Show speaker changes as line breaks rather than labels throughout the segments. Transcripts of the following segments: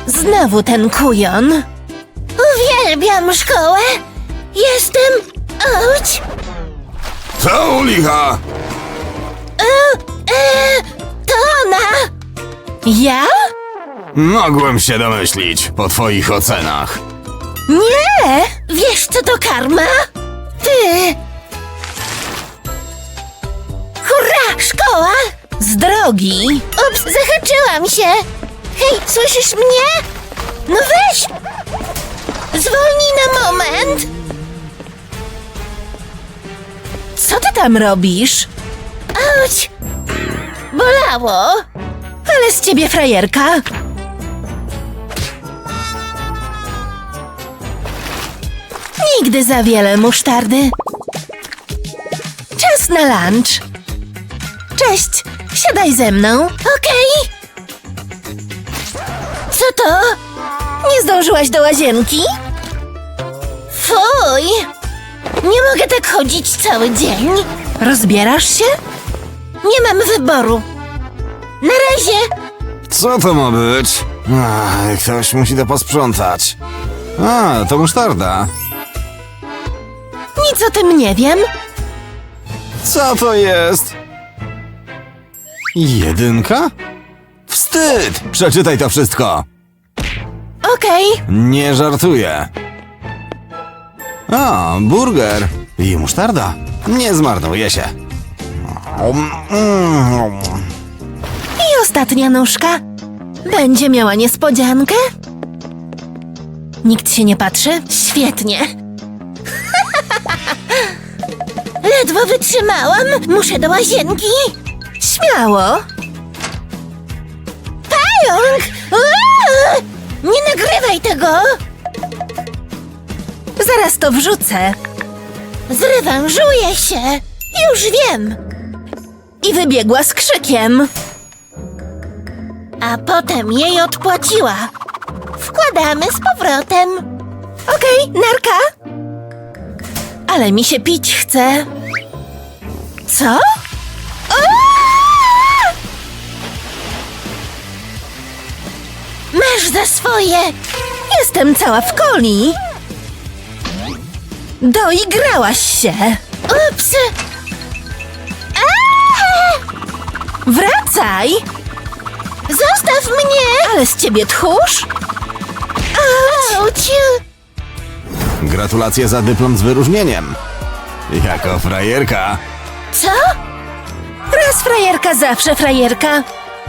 Znowu ten kujon. Uwielbiam szkołę. Jestem... Auć!
Co u licha?
To ona! Ja?
Mogłem się domyślić po twoich ocenach.
Nie! Wiesz, co to karma? Ty! Hurra! Szkoła! Z drogi! Ups, zahaczyłam się! Hej, słyszysz mnie? No weź! Zwolnij na moment! Co ty tam robisz? Auć! Bolało! Ale z ciebie frajerka! Nigdy za wiele musztardy. Czas na lunch. Cześć, siadaj ze mną. Okej. Co to? Nie zdążyłaś do łazienki? Fuj! Nie mogę tak chodzić cały dzień. Rozbierasz się? Nie mam wyboru. Na razie.
Co to ma być? Ktoś musi to posprzątać. To musztarda.
Nic o tym nie wiem.
Co to jest? 1? Wstyd! Przeczytaj to wszystko.
Okej.
Nie żartuję. Burger i musztarda. Nie zmarnuje się.
I ostatnia nóżka. Będzie miała niespodziankę? Nikt się nie patrzy? Świetnie. Ledwo wytrzymałam. Muszę do łazienki. Śmiało. Pająk! Uuu! Nie nagrywaj tego! Zaraz to wrzucę. Zrewanżuję się. Już wiem. I wybiegła z krzykiem. A potem jej odpłaciła. Wkładamy z powrotem. Okej, narka. Ale mi się pić chce. Co? Aaaa! Masz za swoje. Jestem cała w coli. Doigrałaś się. Ups. Aaaa! Wracaj. Zostaw mnie. Ale z ciebie tchórz. Auć.
Gratulacje za dyplom z wyróżnieniem. Jako frajerka.
Co? Raz frajerka, zawsze frajerka.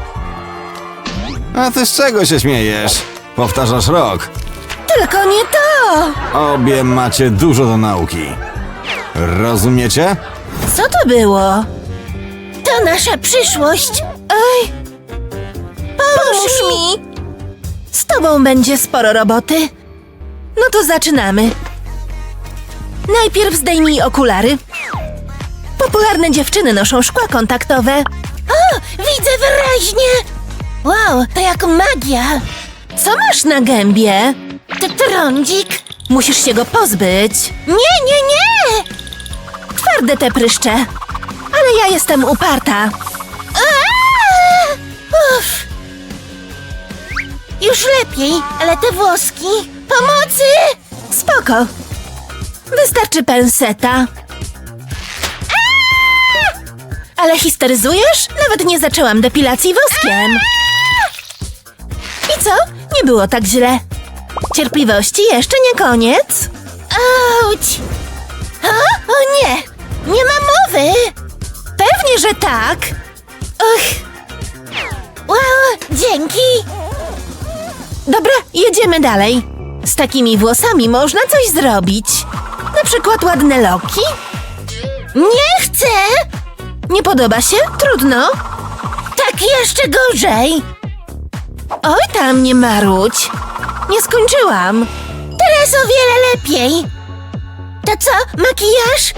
A ty z czego się śmiejesz? Powtarzasz rok.
Tylko nie to.
Obie macie dużo do nauki. Rozumiecie?
Co to było? To nasza przyszłość. Ej, pomóż mi. Z tobą będzie sporo roboty. No to zaczynamy. Najpierw zdejmij okulary. Popularne dziewczyny noszą szkła kontaktowe. O, widzę wyraźnie. Wow, to jak magia. Co masz na gębie? Trądzik. Musisz się go pozbyć. Nie. Twarde te pryszcze. Ale ja jestem uparta. Uff. Już lepiej, ale te włoski... Pomocy! Spoko. Wystarczy penseta. Ale histeryzujesz? Nawet nie zaczęłam depilacji woskiem. I co? Nie było tak źle. Cierpliwości jeszcze nie koniec. Auć! O nie! Nie ma mowy! Pewnie, że tak. Wow, dzięki. Dobra, jedziemy dalej. Z takimi włosami można coś zrobić. Na przykład ładne loki. Nie chcę! Nie podoba się? Trudno. Tak jeszcze gorzej. Oj tam, nie marudź. Nie skończyłam. Teraz o wiele lepiej. To co, makijaż?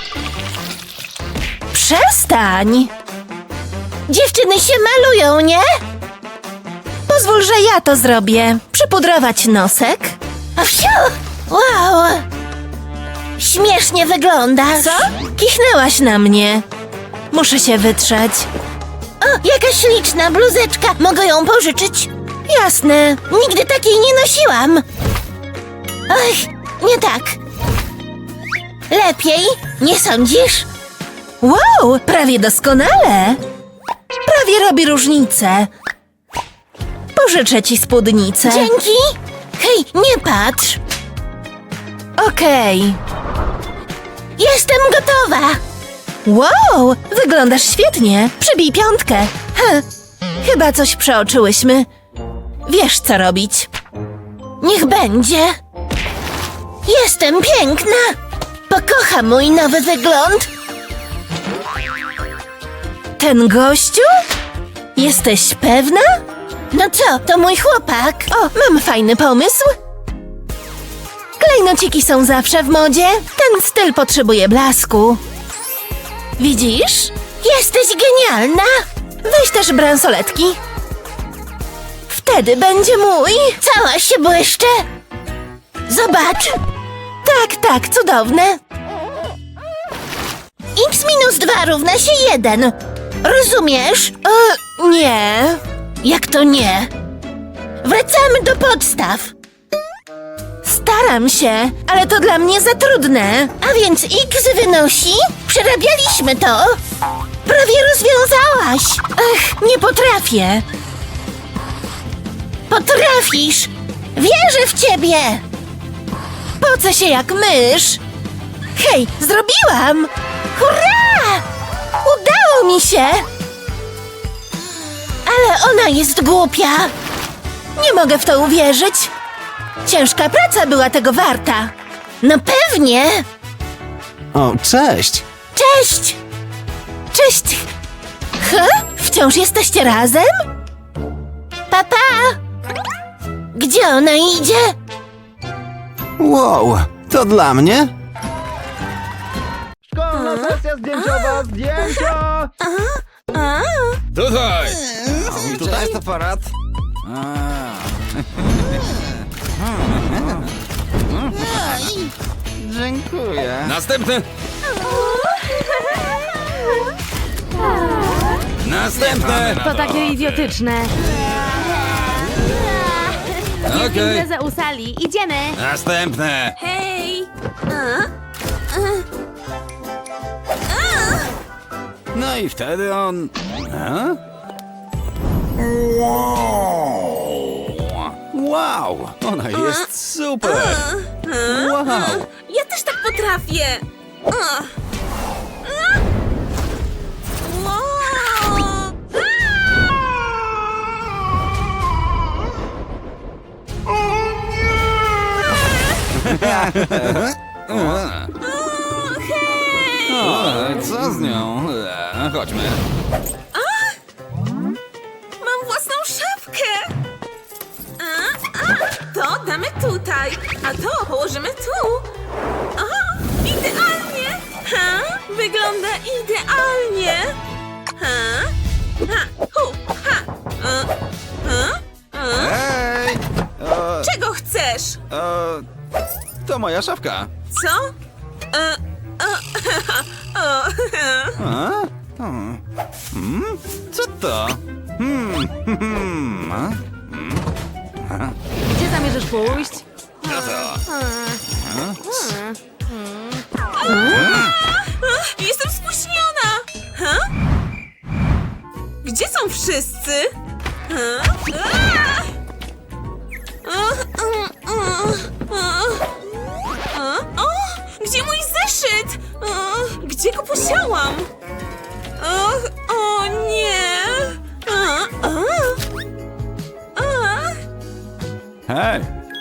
Przestań. Dziewczyny się malują, nie? Pozwól, że ja to zrobię. Przypudrować nosek. A wsiu! Wow! Śmiesznie wyglądasz. Co? Kichnęłaś na mnie. Muszę się wytrzeć. O, jaka śliczna bluzeczka. Mogę ją pożyczyć? Jasne, nigdy takiej nie nosiłam. Ach, nie tak. Lepiej, nie sądzisz? Wow, prawie doskonale. Prawie robi różnicę. Pożyczę ci spódnicę. Dzięki. Hej, nie patrz. Okej. Jestem gotowa. Wow, wyglądasz świetnie. Przybij 5. Chyba coś przeoczyłyśmy. Wiesz, co robić. Niech będzie. Jestem piękna. Pokocham mój nowy wygląd. Ten gościu? Jesteś pewna? No co, to mój chłopak. O, mam fajny pomysł. Klejnociki są zawsze w modzie. Ten styl potrzebuje blasku. Widzisz? Jesteś genialna. Weź też bransoletki. Wtedy będzie mój. Cała się błyszczę. Zobacz. Tak, cudowne. X minus 2 równa się 1. Rozumiesz? Nie. Jak to nie? Wracamy do podstaw. Staram się, ale to dla mnie za trudne. A więc X wynosi? Przerabialiśmy to. Prawie rozwiązałaś. Ach, nie potrafię. Potrafisz. Wierzę w ciebie. Pocę się jak mysz. Hej, zrobiłam. Hurra! Udało mi się. Ale ona jest głupia. Nie mogę w to uwierzyć. Ciężka praca była tego warta. No pewnie.
O, cześć!
Cześć. Cześć. Wciąż jesteście razem? Papa. Gdzie ona idzie?
Wow, to dla mnie?
Szkolna sesja zdjęciowa, zdjęcia!
Tutaj!
Tutaj jest aparat. Dziękuję.
Następny! Następne!
To takie idiotyczne.
Okej.
Imprezę u sali. Idziemy.
Następne!
Hej!
No i wtedy on... Wow! Ona jest super! Wow!
Ja też tak potrafię.
O, co z nią? Chodźmy.
Mam własną szafkę! To damy tutaj, a to położymy tu. O, idealnie! Wygląda idealnie!
Hej!
Czego chcesz?
To moja szafka.
Co?
Co to?
Gdzie zamierzasz pójść?
Jestem spóźniona! Gdzie są wszyscy? O, gdzie mój zeszyt? Gdzie go posiałam? O nie!
Hej!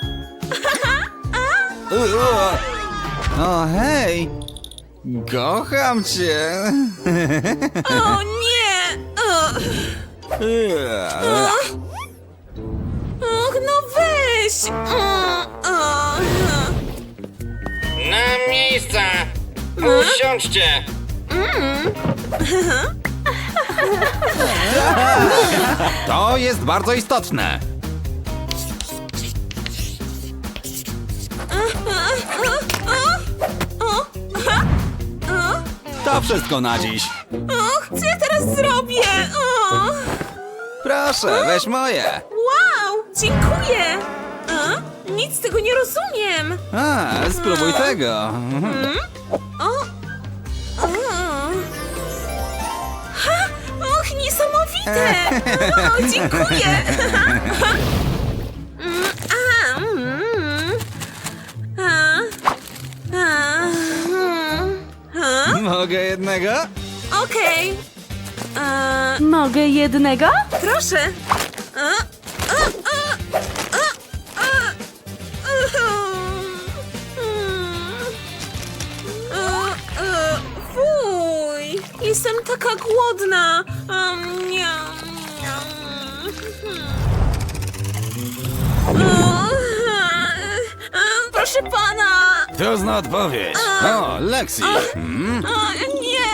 O, hej! Kocham cię!
O nie! Och, no weź!
Na miejsca! Usiądźcie!
To jest bardzo istotne. To wszystko na dziś.
Och, co ja teraz zrobię?
Proszę, weź moje.
Wow! dziękuję! A? Nic z tego nie rozumiem!
Spróbuj tego.
O! Ha! Och, niesamowite! O, dziękuję!
Mogę jednego?
Okej.
Mogę jednego?
Proszę. Fuj, jestem taka głodna. Miam, miam. Proszę pana.
Trudna odpowiedź. O, Lexi.
Nie.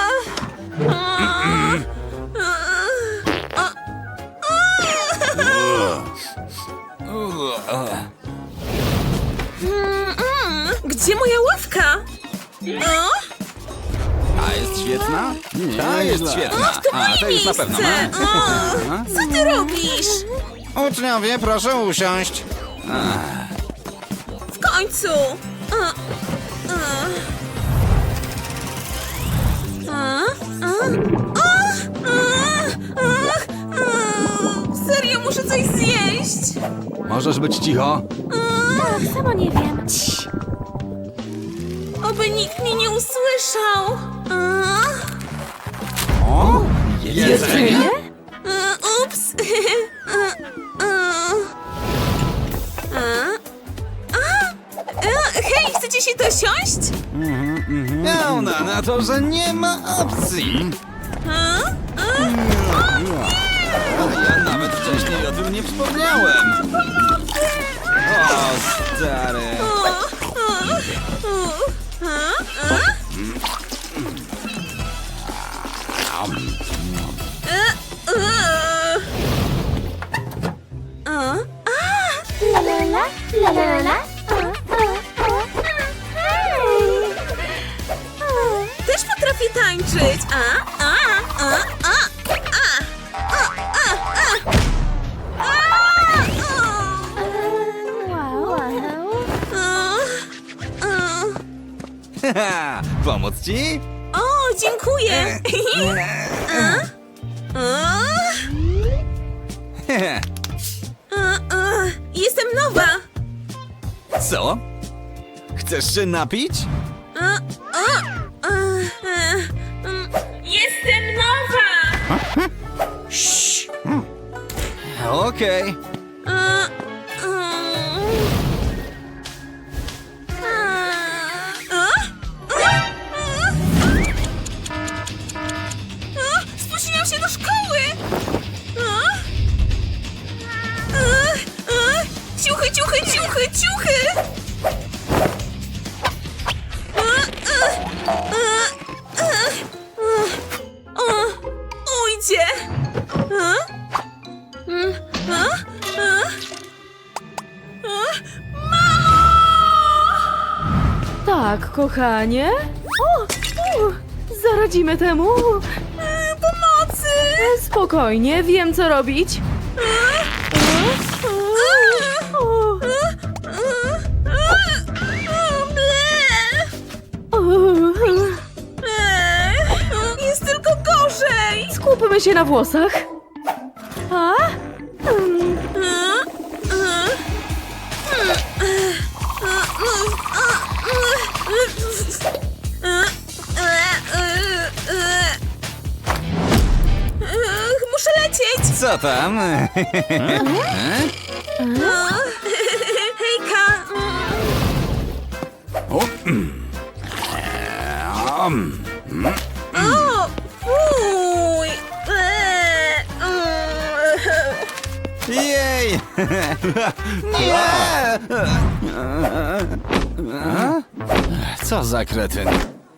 Gdzie moja ławka? O?
A jest świetna? Nie, ta jest świetna.
To moje
to już na pewno.
miejsce. O, co ty robisz?
Uczniowie, proszę usiąść.
W końcu. Serio, muszę coś zjeść.
Możesz być cicho?
Sama nie wiem.
Oby nikt mnie nie usłyszał.
O, jedzenie?
Ups. Hej, chcecie się dosiąść?
Pełna na to, że nie ma opcji. Ja nawet wcześniej o tym nie wspomniałem. O, stary.
La la la, la la la.
Też potrafię tańczyć.
Pomóc ci?
O, dziękuję. Jestem nowa.
Co? Chcesz się napić?
Jestem nowa.
Okej.
Spóźniłam się do szkoły. Ciuchy, ciuchy, ciuchy, ciuchy. Ujdzie.
Tak, kochanie. Zaradzimy temu.
Pomocy.
Spokojnie, wiem co robić.
Jest tylko gorzej.
Skupmy się na włosach. A?
Muszę lecieć.
Co tam?
Hejka.
O,
O, fuj.
jej! Nie! Co za kretyn?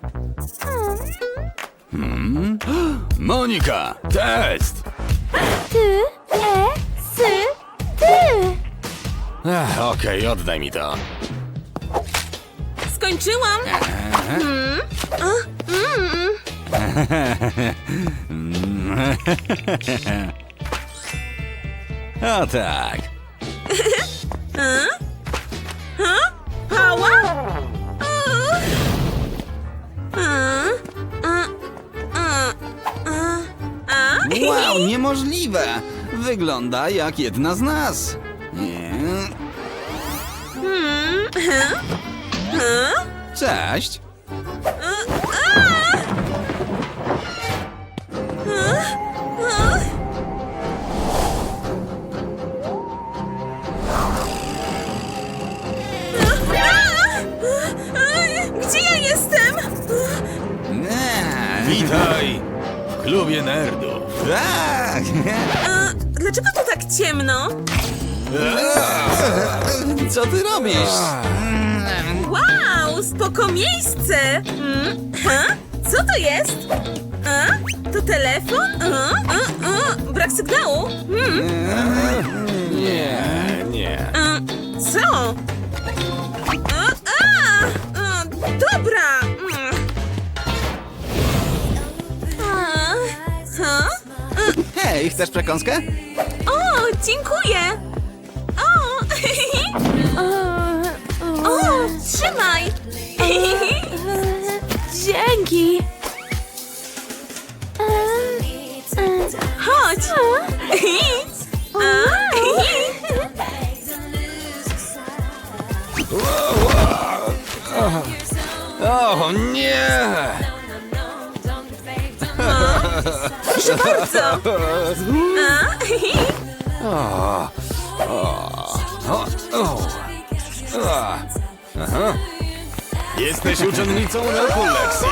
Monika, test!
Ty, sy, ty.
Okej, oddaj mi to.
Skończyłam.
O tak. niemożliwe. Wygląda jak jedna z nas. Nie. Cześć.
Gdzie ja jestem?
Nie.
Witaj w klubie nerdów.
Tak.
Dlaczego tu tak ciemno?
Co ty robisz?
Wow, spoko miejsce! Co to jest? To telefon? Brak sygnału?
Nie.
Co? Dobra!
Hej, chcesz przekąskę?
O, dziękuję! O, trzymaj!
Dzięki.
Chodź!
O nie!
Proszę bardzo!
Jesteś uczennicą roku, Lexi.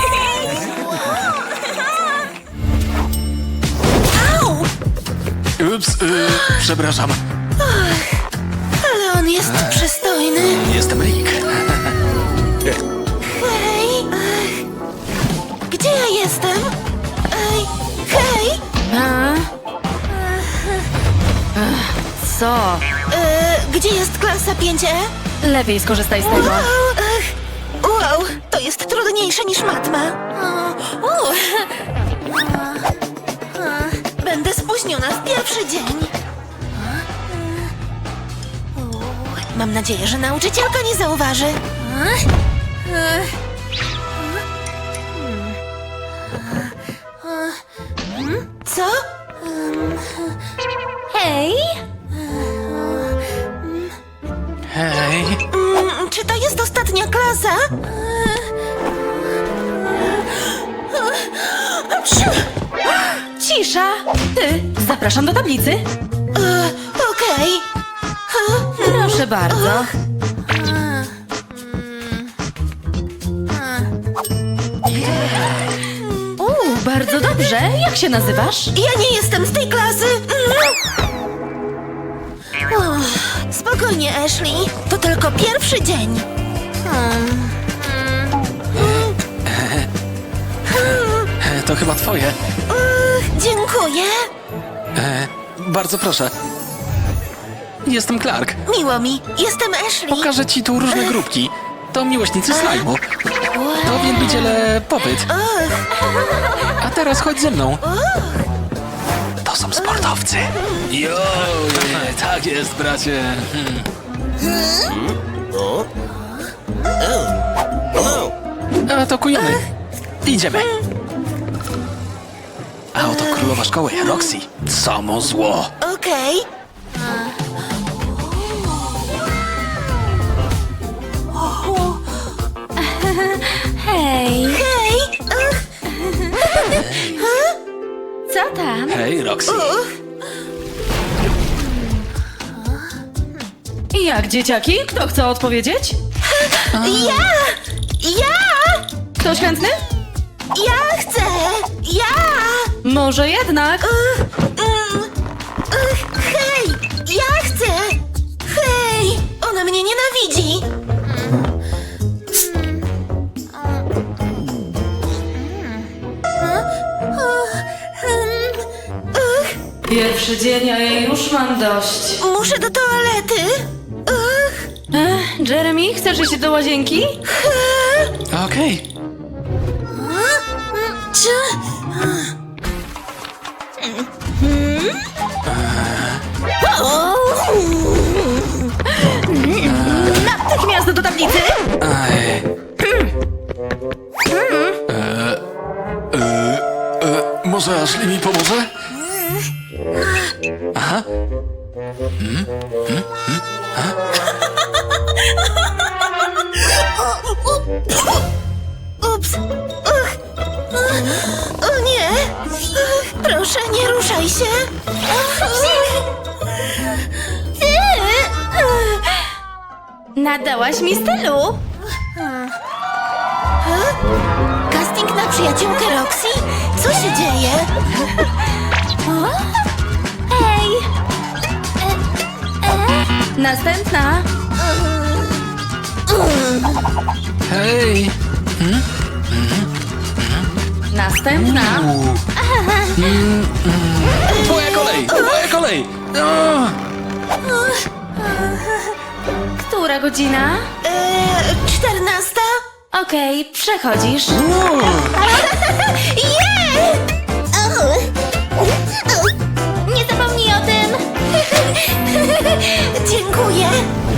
Ups, przepraszam.
Ale on jest przystojny.
Jestem Rick.
Hej! Gdzie ja jestem? Hej!
Co?
Gdzie jest klasa 5E?
Lepiej skorzystaj z tego.
Wow, to jest trudniejsze niż matma. Będę spóźniona w pierwszy dzień. Mam nadzieję, że nauczycielka nie zauważy. Co?
Hej!
Hej.
Czy to jest ostatnia klasa?
Cisza! Ty, zapraszam do tablicy.
Okej.
Proszę bardzo. Bardzo dobrze. Jak się nazywasz?
Ja nie jestem z tej klasy. Spokojnie, Ashley. To tylko pierwszy dzień.
To chyba twoje.
Dziękuję.
Bardzo proszę. Jestem Clark.
Miło mi. Jestem Ashley.
Pokażę ci tu różne grupki. To miłośnicy slajmu. To wielbiciele popyt. A teraz chodź ze mną. To są sportowcy. Jo, tak jest, bracie. Atakujemy. Idziemy. A oto królowa szkoły, Roxy. Samo zło.
Okej.
Hej!
Hej.
Co tam?
Hej, Roxy.
Jak dzieciaki? Kto chce odpowiedzieć?
Ja
Ktoś chętny?
chcę.
Może jednak.
Hej, ja chcę. Hej, ona mnie nienawidzi.
Pierwszy dzień, a ja już mam dość.
Muszę do toalety.
Jeremy, chcesz iść do łazienki?
Okej.
Natychmiast do tablicy!
Aj. Może Ashley mi pomoże?
Ups. Uch. O nie. Proszę, nie ruszaj się.
Nadałaś mi stylu.
Casting na przyjaciółkę Roxy? Co się dzieje?
Hej! Następna.
Hej!
Następna.
Moja kolej! Moja kolej! O!
Która godzina?
14?
Okej, przechodzisz. Nie zapomnij o tym.
Dziękuję.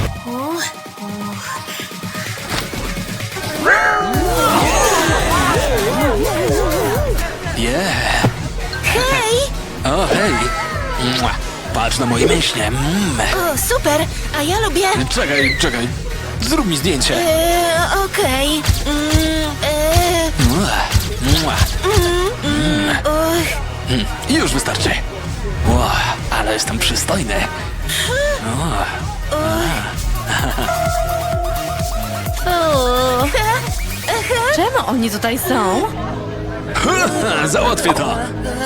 Yeah.
Hej!
O, hej! Mua. Patrz na moje mięśnie.
O, super. A ja lubię...
Czekaj. Zrób mi zdjęcie.
Okej.
Mua. Mua. Już wystarczy. Ło, ale jestem przystojny.
Czemu oni tutaj są?
Załatwię to.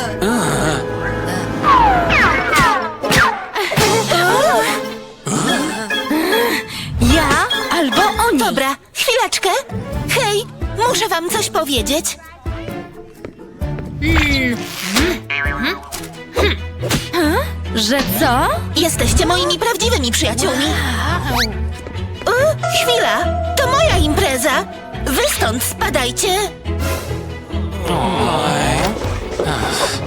Ja albo oni.
Dobra, chwileczkę. Hej, muszę wam coś powiedzieć.
Że co?
Jesteście moimi prawdziwymi przyjaciółmi. Chwila, to moja impreza. Wy stąd spadajcie.